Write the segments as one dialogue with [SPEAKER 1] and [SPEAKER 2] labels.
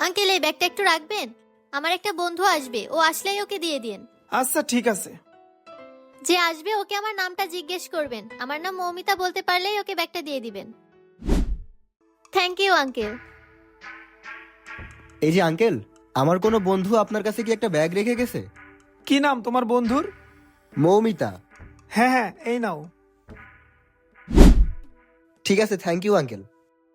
[SPEAKER 1] Uncle এই ব্যাগটা একটু রাখবেন, আমার একটা বন্ধু আসবে, ও আসলেই ওকে দিয়ে দিন।
[SPEAKER 2] আচ্ছা ঠিক আছে।
[SPEAKER 1] যে আসবে ওকে আমার নামটা জিজ্ঞেস করবেন, আমার নাম মৌমিতা বলতে পারলেই ওকে ব্যাগটা দিয়ে দিবেন। Thank you uncle.
[SPEAKER 3] এই যে আঙ্কেল, আমার কোনো বন্ধু আপনার কাছে কি একটা ব্যাগ রেখে গেছে?
[SPEAKER 2] কি নাম তোমার বন্ধুর?
[SPEAKER 3] মৌমিতা।
[SPEAKER 2] হ্যাঁ হ্যাঁ, এই নাও।
[SPEAKER 3] ঠিক আছে, থ্যাংক ইউ আঙ্কেল।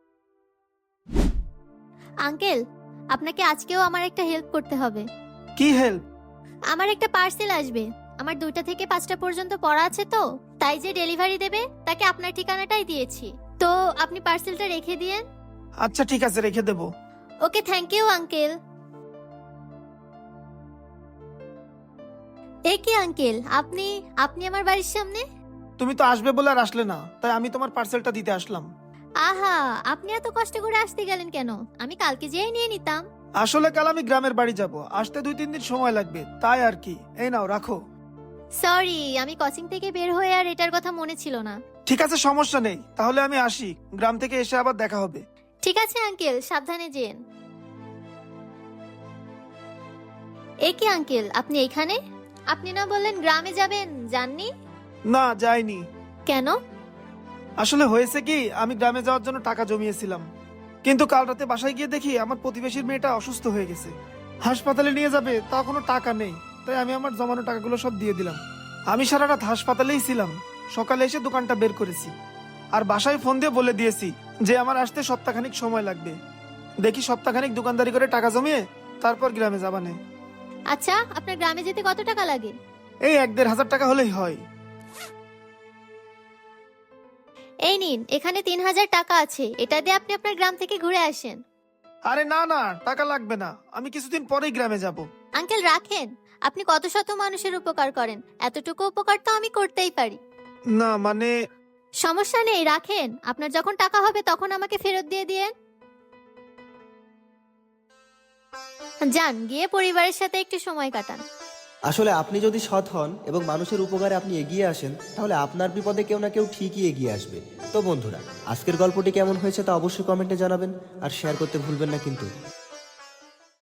[SPEAKER 1] আঙ্কেল আপনাকে আজকেও আমার একটা হেল্প করতে হবে।
[SPEAKER 2] কি হেল্প?
[SPEAKER 1] আমার একটা পার্সেল আসবে, আমার 2টা থেকে 5টা পর্যন্ত পড়া আছে, তো তাই যে ডেলিভারি দেবে তাকে আপনার ঠিকানাটাই দিয়েছি, তো আপনি পার্সেলটা রেখে দিয়েন।
[SPEAKER 2] আচ্ছা ঠিক আছে, রেখে দেবো।
[SPEAKER 1] Okay thank you uncle. এ কি আঙ্কেল, আপনি আপনি আমার বাড়ির সামনে?
[SPEAKER 2] তুমি তো আসবে বলে আর আসলে না, তাই আমি তোমার পার্সেলটা দিতে আসলাম।
[SPEAKER 1] আহা, আপনি এত কষ্ট করে আসতে গেলেন কেন? আমি কালকে যেয়ে নিয়ে নিতাম।
[SPEAKER 2] আসলে কাল আমি গ্রামের বাড়ি যাব, আসতে 2-3 দিন সময় লাগবে, তাই আর কি। এই নাও, রাখো।
[SPEAKER 1] সরি, আমি কোচিং থেকে বের হয়ে আর এটার কথা মনে ছিল না।
[SPEAKER 2] ঠিক আছে, সমস্যা নেই, তাহলে আমি আসি, গ্রাম থেকে এসে আবার দেখা হবে।
[SPEAKER 1] ঠিক আছে আঙ্কেল, সাবধানে যেন। এ কি আঙ্কেল, আপনি এখানে? আপনি না বললেন গ্রামে যাবেন, যাননি?
[SPEAKER 2] না, যাইনি।
[SPEAKER 1] কেন?
[SPEAKER 2] আসলে হয়েছে কি, আমি গ্রামে যাওয়ার জন্য টাকা জমিয়েছিলাম, কিন্তু কাল রাতে বাসায় গিয়ে দেখি আমার প্রতিবেশীর মেয়েটা অসুস্থ হয়ে গেছে, হাসপাতালে নিয়ে যাবে, তা কোনো টাকা নেই, তাই আমি আমার জমানো টাকাগুলো সব দিয়ে দিলাম। আমি সারা রাত হাসপাতালেই ছিলাম, সকালে এসে দোকানটা বের করেছি, আর বাসায় ফোন দিয়ে বলে দিয়েছি যে আমার আসতে সপ্তাহখানিক সময় লাগবে। দেখি সপ্তাহখানিক দোকানদারি করে টাকা জমিয়ে তারপর গ্রামে যাবানে।
[SPEAKER 1] আচ্ছা, আপনার গ্রামে যেতে কত টাকা লাগে?
[SPEAKER 2] এই 1-1.5 হাজার টাকা হলেই হয়।
[SPEAKER 1] এই নিন, এখানে 3000 টাকা আছে, এটা দিয়ে আপনি আপনার গ্রাম থেকে ঘুরে আসেন।
[SPEAKER 2] আরে না না, টাকা লাগবে না, আমি কিছুদিন পরেই গ্রামে যাব।
[SPEAKER 1] আঙ্কেল রাখেন, আপনি কত শত মানুষের উপকার করেন, এতটুকু উপকার তো আমি করতেই পারি।
[SPEAKER 2] না মানে,
[SPEAKER 1] সমস্যা নেই, রাখেন, আপনার যখন টাকা হবে তখন আমাকে ফেরত দিয়ে দিয়েন। যান, গিয়ে পরিবারের সাথে একটু সময় কাটান।
[SPEAKER 3] আসলে আপনি যদি সৎ হন এবং মানুষের উপকারে আপনি এগিয়ে আসেন, তাহলে আপনার বিপদে কেউ না কেউ ঠিকই এগিয়ে আসবে। তো বন্ধুরা, আজকের গল্পটি কেমন হয়েছে তা অবশ্যই কমেন্টে জানাবেন, আর শেয়ার করতে ভুলবেন না কিন্তু।